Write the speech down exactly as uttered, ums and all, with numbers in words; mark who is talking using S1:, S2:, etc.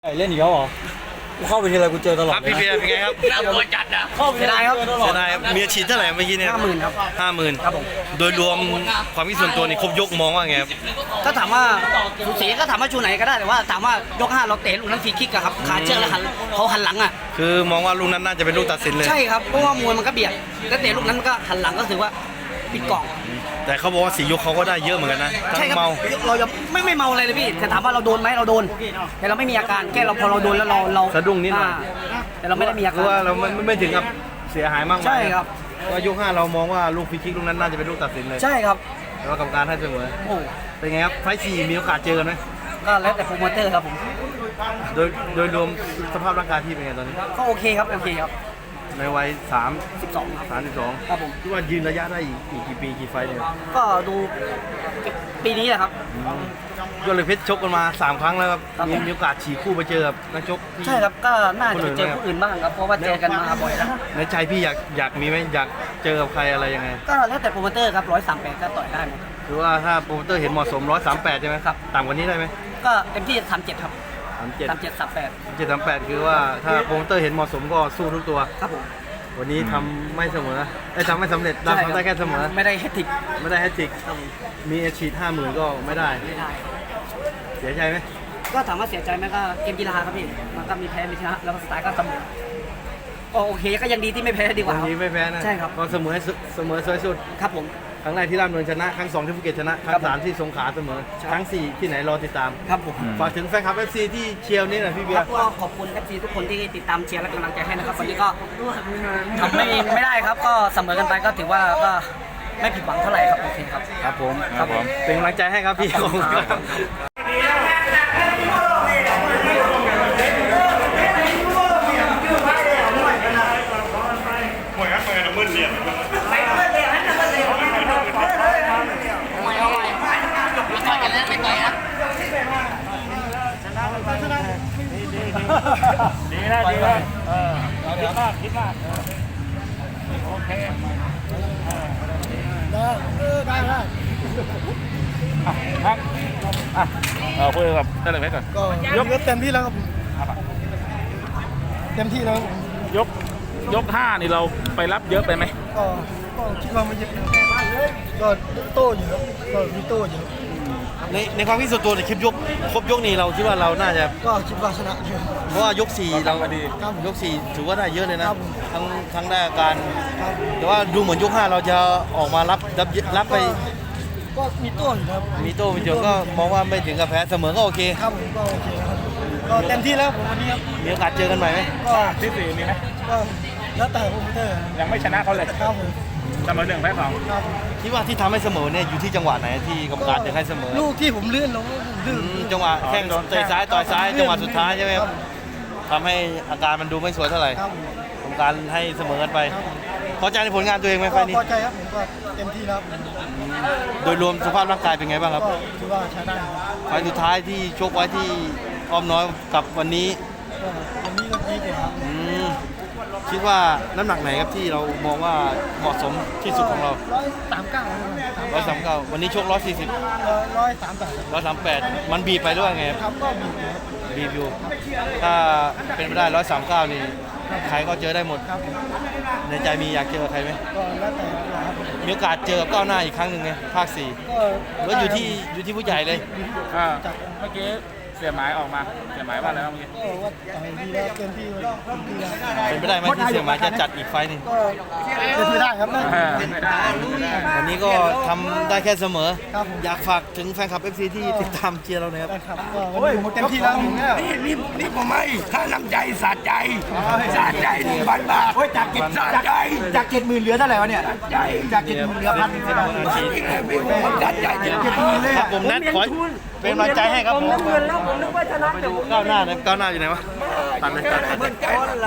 S1: เล่นอีกแล้วเหรอกูเข้าไปทีไรกูเจอตลอด
S2: ครับพี่เบียร์เป็นไงครับ
S3: น่ากลัวจัดอ่ะ
S1: เข้าไปทีไรครับ
S2: เสียดายครับมีอาชีพเท่าไหร่เมื่อกี้เนี่ย
S1: ห้าหมื่นครับ
S2: ห้าหมื่น
S1: ครับผม
S2: โดยรวมความคิดส่วนตัวนี่ครบยกมองว่าไงครับ
S1: ถ้าถามว่าสูสีก็ถามว่าชูไหนก็ได้แต่ว่าถามว่ายกห้าเราเตะลูกนั้นฟรีคิกอะครับขาเชือกแล้วหันเขาหันหลังอะ
S2: คือมองว่าลูกนั้นน่าจะเป็นลูกตัดสินเลย
S1: ใช่ครับเพราะว่ามวยมันก็เบียดแล้วเตะลูกนั้นก็หันหลังก็ถือว่าปิดกล่อง
S2: แต่เขาบอกว่าสี่ยกเขาก็ได้เยอะเหมือนกันนะทั้
S1: ใช่
S2: ง
S1: ครับ
S2: เมา
S1: เราจะไม่ไม่เมาอะไรเลยพี่แต่ถามว่าเราโดนไหมเราโดนแต่เราไม่มีอาการแค่เราพอเราโดนแล้วเราเรา
S2: สะดุ้งนิดหน่อย
S1: าแต่เราไม่ได้มีอา
S2: คื
S1: กา
S2: อ
S1: ร
S2: ว่าเราไม่ไม่ถึงกับเสียหายมากมาย
S1: ใช่ครับ
S2: ว่ายกห้าเรามองว่าลูกฟรีคิกลูกนั้นน่าจะเป็นลูกตัดสินเลย
S1: ใช่ครับ
S2: แต่ว่ากรรมการให้เสมอ
S1: โอ้
S2: เป็นไงครับไฟท์สี่มีโอกาสเจอกันไหม
S1: ก็แล้วแต่โปรโมเตอร์ครับผม
S2: โดยโดยรวมสภาพร่างกายพี่เป็นไงตอนนี้
S1: ก็โอเคครับโอเคครับ
S2: ในวัยสาม
S1: สิบสองครับ
S2: สามสิบสอง
S1: ครับผม
S2: คิดว่ายืนระยะได้อีกอีกกี่ปีกี่ไฟท์เนี่ย
S1: ก็ดูปีนี้แหละครับ
S2: ยอดเหล็กเพชรชกกันมาสามครั้งแล้วครับ
S1: ครับ
S2: มีมีโอกาสฉีกคู่ไปเจอกับนักชกที่
S1: ใช่ครับก็น่าจะไปเจอผู้อื่นบ้างครับเพราะว่าเจอกันมาบ่อยแล้ว
S2: ในใจพี่อยากอยากมีไหมอยากเจอกับใครอะไรยังไง
S1: ก็แล้วแต่โปรโมเตอร์ครับร้อยสามแปดก็ต่อยได้หมด
S2: คือว่าถ้าโปรโมเตอร์เห็นเหมาะสมร้อยสามแปดใช่ไหม
S1: ครับ
S2: ต่ำกว่านี้ได้ไหม
S1: ก็เต็มที่สามเจ็ดครับ
S2: สามเจ็ด
S1: สามเจ็ดสามแปด
S2: เจ็ดสามแปดคือว่าถ้าโปรโมเตอร์เห็นเหมาะสมก็สู้ทุกตัว
S1: ครับผม
S2: วันนี้ทำไม่เสมอได้ทำไม่สำเร็จได้
S1: ใช่
S2: ทำได้แค่เสมอ
S1: ไม่ได้แฮตติก
S2: ไม่ได้แฮตทริก
S1: ครับผม
S2: มีอาชีพห้าหมื่นก็ไม่ได้
S1: ไม่ได้
S2: เสียใจไหม
S1: ก็ถามว่าเสียใจไหมก็เกมกีฬาครับพี่มันก็มีแพ้มีชนะแล้วก็สไตล์ก็เสมอก็โอเคก็ยังดีที่ไม่แพ้ดีกว่า
S2: วันนี้ไม่แพ้นะ
S1: ใช่ครับ
S2: ก็เสมอให้สุดเสมอสวยสุด
S1: ครับผม
S2: ครั้งแรกที่ราชดำเนินชนะครั้งสองที่ภูเก็ตชนะครั้
S1: ครั
S2: ง
S1: บ
S2: สามที่สงขลาเสมอ
S1: ใช่
S2: ครั้งสี่ที่ไหนรอติดตาม
S1: ครับผม
S2: ฝากถึงแฟนคลับ เอฟ ซี ที่เชียร์นี่หน่อยพี่เบีย
S1: ครั
S2: ร์
S1: บก็ขอบคุณเอฟซีทุกคนที่ติดตามเชียร์และกำลังใจให้นะครับวันนี้ก็ทำไม่ไม่ได้ครับ ก็เสมอกันไปก็ถือว่าก็ไม่ผิดหวังเท่าไหร่ครับโอเคครับ
S2: ครับผม
S1: ครับผม
S2: เป็นกำลังใจให้ครับพี่ขอบคุณครับ
S3: ต่อยกันแล้วไม่ต่อยนะ
S4: ดีแล้วดีแล้วเออคิดมากคิดมากโอเคได้ได้ได้ครับอ่ะเอาคุยกับเจ้าเหล็กเพชรก่อน
S5: ก็ยกเต็มที่แล้วครับเต็มที่แล้วครับ
S4: ยกยกห้านี่เราไปรับเยอะไปไหม
S5: ก็ก็คิดว่าไม่เยอะนะครับก็โต้อยู่ครับก็มีโต้อยู่
S2: ในในความคิดส่วนตัวในคลิปยกครบยกนี้เราคิดว่าเราน่าจะ
S5: ก็คิดว่าชนะอยู่
S2: เพราะว่ายกสี่เรา
S5: ครับ
S2: ยกสี่ถือว่าได้เยอะเลยนะครับ
S5: ผม
S2: ทั้งทั้งได้อาการ
S5: ครับ
S2: แต่ว่าดูเหมือนยกห้าเราจะออกมารับรับรับไป
S5: ก็มีโต้อยู่ครับ
S2: มีโต้มีเจงก็มองว่าไม่ถึงกับแพ้เสมอก็โอเค
S5: ครับผมก็โอเคครับก็เต็มที่แล้วผมวันนี้ครับ
S2: มีโอกาสเจอกันใหม่ไหม
S5: ก็
S4: ที่สี่มีไหม
S5: ก็แล้วแต่โปรโมเตอร์
S4: ยังไม่ชนะเขาเลย
S5: ครับผม
S4: เสมอหนึ่งแพ้สอง
S5: ครับ
S2: คิดว่าที่ทำให้เสมอเนี่ยอยู่ที่จังหวะไหนที่กรรมการจะให้เสมอ
S5: ลูกที่ผมเลื่อนลงผมลื่
S2: อื
S5: น
S2: มจังหวะแข้งเตะซ้ายต่อยซ้ายจังหวะสุดท้ายใช่ไหมครับทำให้อาการมันดูไม่สวยเท่าไหร่
S5: ครับผม
S2: กรรมการให้เสมอกันไป
S5: ครับผม
S2: พอใจในผลงานตัวเองไหมไฟ
S5: ก็
S2: ล์นี้
S5: พอใจครับผมก็เต็มที่แล้วครับ
S2: โดยรวมสภาพร่างกายเป็นไงบ้างครับ
S5: ก็คิดว่าใช้ได้ครับ
S2: ไฟล์สุดท้ายที่ชกไว้ที่อ้อมน้อยกับวันนี้
S5: ก็วันนี้ก็ดีกว่าครับ
S2: อืมคิดว่าน้ำหนักไหนครับที่เรามองว่าเหมาะสมที่สุดของเรา
S5: ร้อยสามเก้า
S2: ร้อยสามเก้าวันนี้ชกร้อยสี่สิบ
S5: ร้อยสามแปด
S2: ร้อยสามแปดมันบีบไปด้วยไงครับ
S5: ครับก็มีอยู่ครับ
S2: บีบอยู่ถ้าเป็นไปได้ร้อยสามเก้านี่ใครก็เจอได้หมด
S5: ครับผม
S2: ในใจมีอยากเจอใครไหม
S5: ก็แล้วแต่ครับผม
S2: มีโอกาสเจอกับก้าวหน้าอีกครั้งหนึ่งไงภาคสี่
S5: ก็
S2: แล้วอยู่ที่อยู่ที่ผู้ใหญ่เลย
S4: อ่าเมื่อกี้เสียหมายออกมาเสียหมายว่าอะไรบ้างเมื่อกี้
S5: ก็ว่าต่อยดีแล้วเต็มที่เลยเต็มที่แล้ว
S2: เป็นไปได้ไหมที่เสี่ยหมายจะจัดอีกไฟล์หนึ่ง
S5: ก็เป็นไปได้ครับได้
S4: อ่าไม่ได้ไม่ได้
S2: วันนี้ก็ทำได้แค่เสมอ
S5: ครับผม
S2: อยากฝากถึงแฟนคลับ เอฟ ซี ที่ติดตามเชียร์เราหน่อยครับ
S5: ได้ครับก็วันนี้ผมเต็มที่แล้วผมเนี่ย
S3: นี่นี่นี่ผมไม่ถ้าน้ำใจสะใจสะใจหนึ่งพันบาทจากเก็บสะใจ
S1: จากเจ็ดหมื่นเหลือเท่าไหร่วะเนี่ย
S3: ใจ
S1: จากเจ็ดหมื่นเหลือพัน
S3: มันนี่ไงพี่ผมสะใจจริง
S2: ครับผมนัดขอเป็นกำลังใจให้ครับผม
S1: เงินแล้วผมนึกว่าชนะ
S2: ไปดูก้าวหน้านะก้าวหน้าอยู่ไหนวะตัดเลยตัดเลย
S3: ๆใจ